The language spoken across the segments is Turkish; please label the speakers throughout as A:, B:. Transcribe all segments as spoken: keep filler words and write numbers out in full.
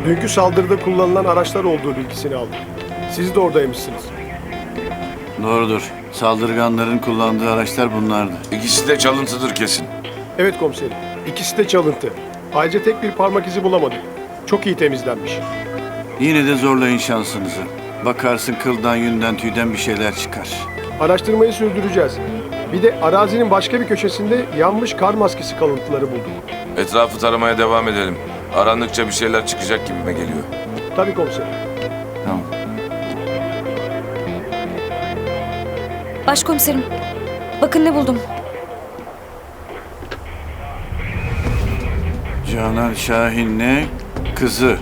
A: Dünkü saldırıda kullanılan araçlar olduğu bilgisini aldım. Siz de oradaymışsınız.
B: Doğrudur. Saldırganların kullandığı araçlar bunlardı.
C: İkisi de çalıntıdır kesin.
A: Evet komiserim. İkisi de çalıntı. Ayrıca tek bir parmak izi bulamadık. Çok iyi temizlenmiş.
B: Yine de zorlayın şansınızı. Bakarsın kıldan, yünden, tüyden bir şeyler çıkar.
A: Araştırmayı sürdüreceğiz. Bir de arazinin başka bir köşesinde yanmış kar maskesi kalıntıları bulduk.
C: Etrafı taramaya devam edelim. Arandıkça bir şeyler çıkacak gibime geliyor.
A: Tabii komiserim.
B: Tamam.
D: Başkomiserim, bakın ne buldum.
B: Canan Şahin'le kızı.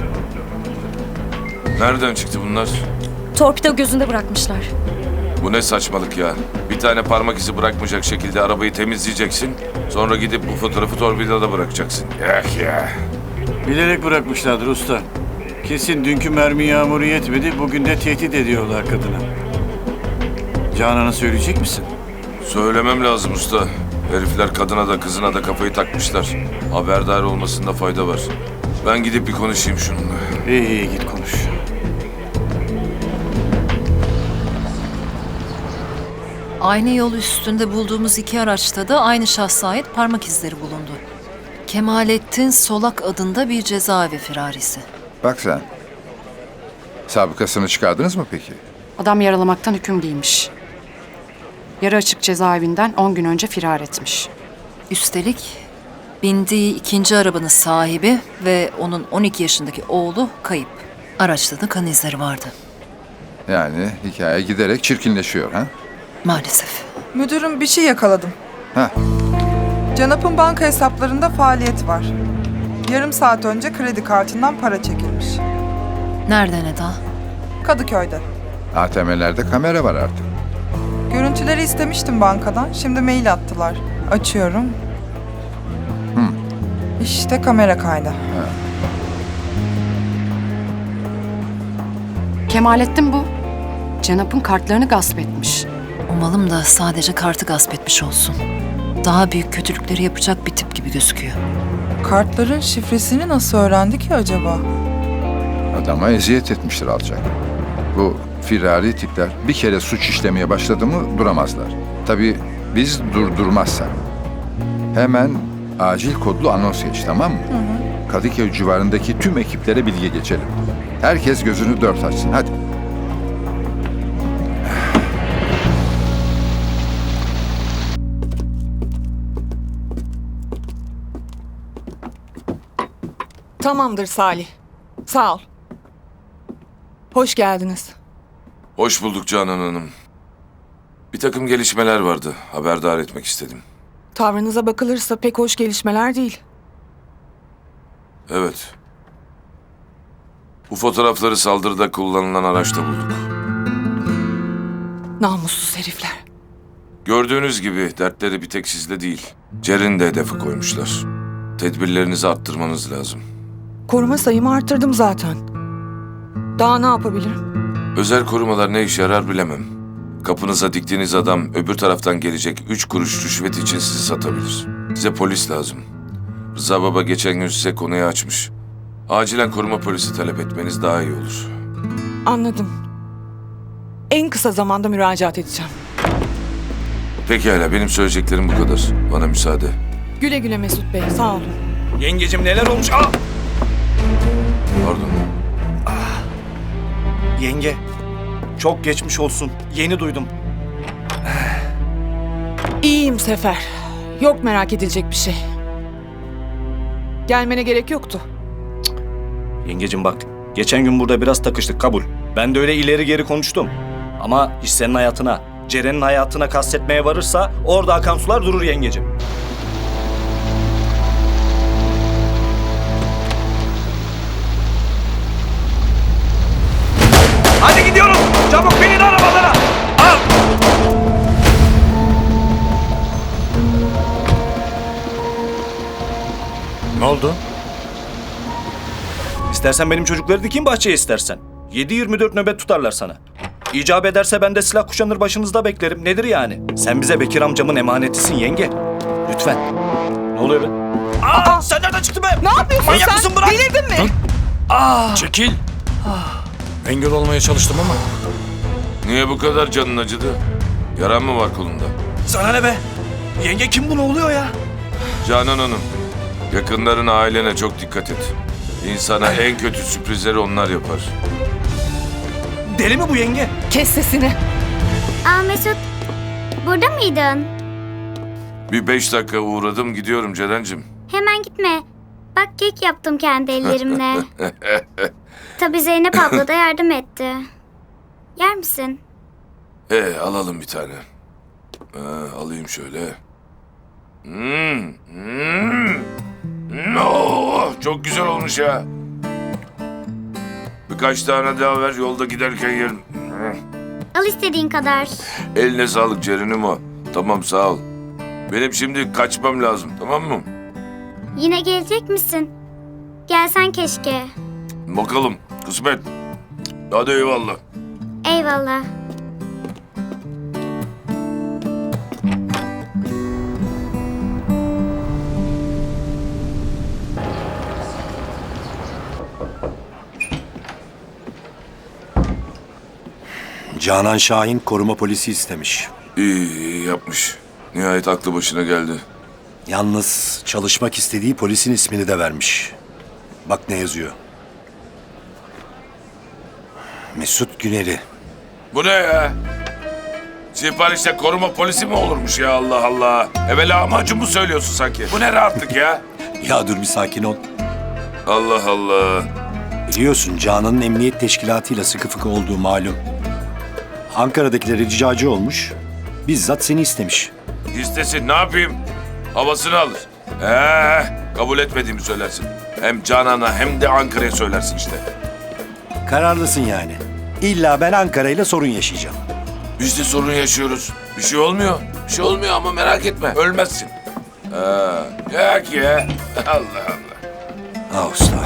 C: Nereden çıktı bunlar?
D: Torpido gözünde bırakmışlar.
C: Bu ne saçmalık ya. Bir tane parmak izi bırakmayacak şekilde arabayı temizleyeceksin. Sonra gidip bu fotoğrafı torpidoda bırakacaksın. Eh ya.
B: Bilerek bırakmışlardır usta. Kesin dünkü mermi yağmuru yetmedi, bugün de tehdit ediyorlar kadına. Canan'a söyleyecek misin?
C: Söylemem lazım usta. Herifler kadına da kızına da kafayı takmışlar. Haberdar olmasında fayda var. Ben gidip bir konuşayım şununla.
B: İyi iyi git konuş.
E: Aynı yol üstünde bulduğumuz iki araçta da aynı şahsa ait parmak izleri bulundu. Kemalettin Solak adında bir cezaevi firarisi.
F: Bak sen. Sabıkasını çıkardınız mı peki?
G: Adam yaralamaktan hüküm giymiş. Yarı açık cezaevinden on gün önce firar etmiş.
E: Üstelik bindiği ikinci arabanın sahibi ve onun on iki yaşındaki oğlu kayıp. Araçta da kan izleri vardı.
F: Yani hikaye giderek çirkinleşiyor ha?
E: Maalesef.
H: Müdürüm bir şey yakaladım.
F: Heh.
H: Canap'ın banka hesaplarında faaliyet var. Yarım saat önce kredi kartından para çekilmiş.
E: Nereden Eda?
H: Kadıköy'de.
F: A T M'lerde kamera var artık.
H: Görüntüleri istemiştim bankadan. Şimdi mail attılar. Açıyorum.
F: Hı.
H: İşte kamera kaydı.
G: Kemalettin bu. Cenap'ın kartlarını gasp etmiş.
E: Umalım da sadece kartı gasp etmiş olsun. Daha büyük kötülükleri yapacak bir tip gibi gözüküyor.
H: Kartların şifresini nasıl öğrendi ki acaba?
F: Adama eziyet etmiştir alacak. Bu firari tipler bir kere suç işlemeye başladı mı duramazlar. Tabii biz durdurmazsak. Hemen acil kodlu anons geç, tamam mı? Hı hı. Kadıköy civarındaki tüm ekiplere bilgi geçelim. Herkes gözünü dört açsın, hadi.
I: Tamamdır Salih. Sağ ol. Hoş geldiniz.
C: Hoş bulduk Canan Hanım. Bir takım gelişmeler vardı. Haberdar etmek istedim.
I: Tavrınıza bakılırsa pek hoş gelişmeler değil.
C: Evet. Bu fotoğrafları saldırıda kullanılan araçta bulduk.
I: Namussuz herifler.
C: Gördüğünüz gibi dertleri bir tek sizde değil. Cer'in de hedefi koymuşlar. Tedbirlerinizi arttırmanız lazım.
I: Koruma sayımı arttırdım zaten. Daha ne yapabilirim?
C: Özel korumalar ne işe yarar bilemem. Kapınıza diktiğiniz adam öbür taraftan gelecek üç kuruş rüşvet için sizi satabilir. Size polis lazım. Rıza Baba geçen gün size konuyu açmış. Acilen koruma polisi talep etmeniz daha iyi olur.
I: Anladım. En kısa zamanda müracaat edeceğim.
C: Pekala, benim söyleyeceklerim bu kadar. Bana müsaade.
I: Güle güle Mesut Bey, sağ olun.
J: Yengecim neler olmuş? Aa!
C: Pardon.
J: Yenge, çok geçmiş olsun. Yeni duydum.
I: İyiyim Sefer. Yok merak edilecek bir şey. Gelmene gerek yoktu.
J: Yengecim bak, geçen gün burada biraz takıştık, kabul. Ben de öyle ileri geri konuştum. Ama iş senin hayatına, Ceren'in hayatına kastetmeye varırsa orada akan sular durur yengecim. Hadi gidiyorum. Çabuk binin arabalara. Al.
B: Ne oldu?
J: İstersen benim çocukları dikeyim bahçeye istersen. yedi yirmi dört nöbet tutarlar sana. İcap ederse ben de silah kuşanır başınızda beklerim. Nedir yani? Sen bize Bekir amcamın emanetisin yenge. Lütfen. Ne oluyor be? Aa, sen nereden çıktın be?
I: Ne yapıyorsun
J: Manyak
I: sen?
J: mısın, bırak?
I: Delirdin mi?
K: Çekil. Engel olmaya çalıştım ama.
C: Niye bu kadar canın acıdı? Yaran mı var kolunda?
K: Sana ne be? Yenge kim bu, ne oluyor ya?
C: Canan Hanım, yakınlarına, ailene çok dikkat et. İnsana en kötü sürprizleri onlar yapar.
K: Deli mi bu yenge?
I: Kes sesini.
L: Aa Mesut, burada mıydın?
C: Bir beş dakika uğradım, gidiyorum Ceren'cim.
L: Hemen gitme. Bak kek yaptım kendi ellerimle. Tabii Zeynep abla da yardım etti. Yer misin?
C: Ee, alalım bir tane. Ee, alayım şöyle. Hmm, hmm. Hmm, oh, çok güzel olmuş ya. Birkaç tane daha ver, yolda giderken yerim. Hmm.
L: Al istediğin kadar.
C: Eline sağlık Ceren'im o. Tamam, sağ ol. Benim şimdi kaçmam lazım, tamam mı?
L: Yine gelecek misin? Gelsen keşke.
C: Bakalım, kısmet. Hadi eyvallah.
L: Eyvallah.
M: Canan Şahin koruma polisi istemiş.
C: İyi, iyi yapmış. Nihayet aklı başına geldi.
M: Yalnız çalışmak istediği polisin ismini de vermiş. Bak ne yazıyor. Mesut Güner'i.
C: Bu ne ya? Siparişte koruma polisi mi olurmuş ya, Allah Allah? Evvela amacı mı söylüyorsun sanki? Bu ne rahatlık ya?
M: Ya dur bir sakin ol.
C: Allah Allah.
M: Biliyorsun Canan'ın emniyet teşkilatıyla sıkı fıkı olduğu malum. Ankara'dakiler ricacı olmuş. Bizzat seni istemiş.
C: İstesin, ne yapayım? Havasını alır. Ee, kabul etmediğimi söylersin. Hem Canan'a hem de Ankara'ya söylersin işte.
M: Kararlısın yani. İlla ben Ankara ile sorun yaşayacağım.
C: Biz de sorun yaşıyoruz. Bir şey olmuyor. Bir şey olmuyor ama merak etme. Ölmezsin. Ee, yak ya. Allah Allah.
M: Ah usta.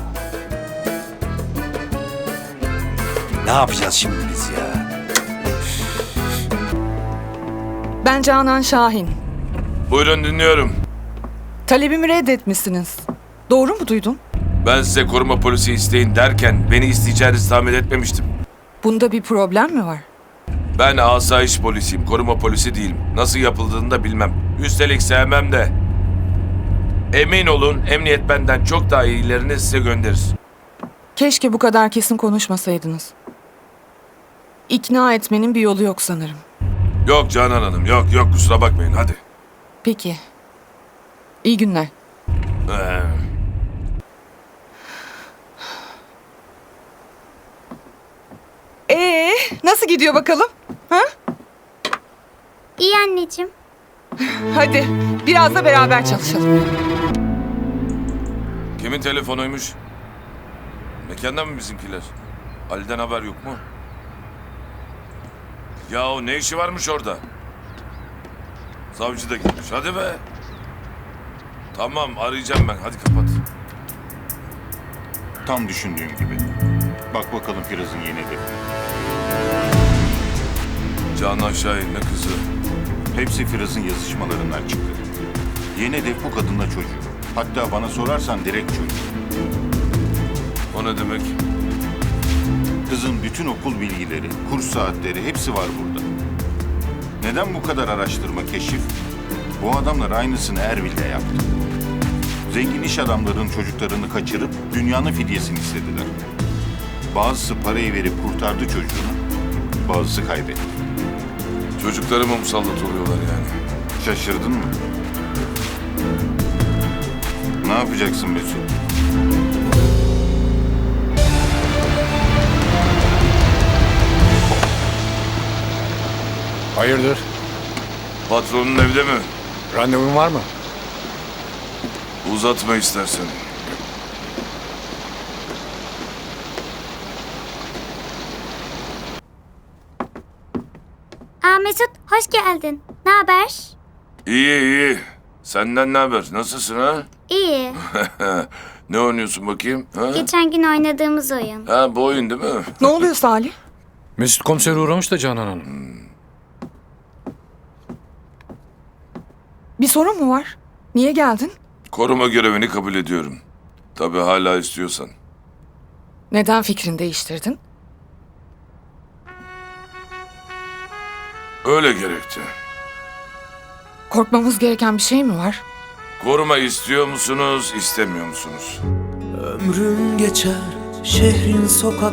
M: Ne yapacağız şimdi biz ya?
I: Ben Canan Şahin.
C: Buyurun, dinliyorum.
I: Talebimi reddetmişsiniz. Doğru mu duydum?
C: Ben size koruma polisi isteyin derken beni isteyeceğinizi tahmin etmemiştim.
I: Bunda bir problem mi var?
C: Ben asayiş polisiyim, koruma polisi değilim. Nasıl yapıldığını da bilmem. Üstelik sevmem de. Emin olun, emniyet benden çok daha iyilerini size gönderir.
I: Keşke bu kadar kesin konuşmasaydınız. İkna etmenin bir yolu yok sanırım.
C: Yok Canan Hanım, yok yok, kusura bakmayın, hadi.
I: Peki. İyi günler.
C: Ee,
I: Ee, nasıl gidiyor bakalım? Ha?
L: İyi anneciğim.
I: Hadi biraz da beraber çalışalım.
C: kimin telefonuymuş? Mekandan mı bizimkiler? Ali'den haber yok mu? Yahu ne işi varmış orada? Savcı da gitmiş, hadi be. Tamam, arayacağım ben, hadi kapat.
N: Tam düşündüğüm gibi. Bak bakalım Firaz'ın yeni hedefi.
C: Canan Şahin ne kızı?
N: Hepsi Firaz'ın yazışmalarından çıktı. Yeni hedef bu kadınla çocuğu. Hatta bana sorarsan direkt çocuğu.
C: O ne demek?
N: Kızın bütün okul bilgileri, kurs saatleri hepsi var burada. Neden bu kadar araştırma, keşif? Bu adamlar aynısını Erbil'de yaptı. Zengin iş adamlarının çocuklarını kaçırıp dünyanın fidyesini istediler. Bazısı parayı verip kurtardı çocuğunu, bazısı kaybetti.
C: Çocukları mı musallat oluyorlar yani?
N: Şaşırdın mı? Ne yapacaksın Mesut?
K: Hayırdır?
C: Patronun evde mi?
K: Randevun var mı?
C: Uzatma istersen.
L: Aa Mesut, hoş geldin. Ne haber?
C: İyi iyi. Senden ne haber? Nasılsın ha?
L: İyi.
C: Ne oynuyorsun bakayım? Ha?
L: Geçen gün oynadığımız oyun.
C: Ha, bu oyun değil mi?
I: Ne oluyor Salih?
K: Mesut komisere uğramış da Canan Hanım.
I: Bir sorun mu var? Niye geldin?
C: Koruma görevini kabul ediyorum. Tabii hala istiyorsan.
I: Neden fikrini değiştirdin?
C: Öyle gerekti.
I: Korkmamız gereken bir şey mi var?
C: Koruma istiyor musunuz, istemiyor musunuz?
O: Ömrüm geçer şehrin sokak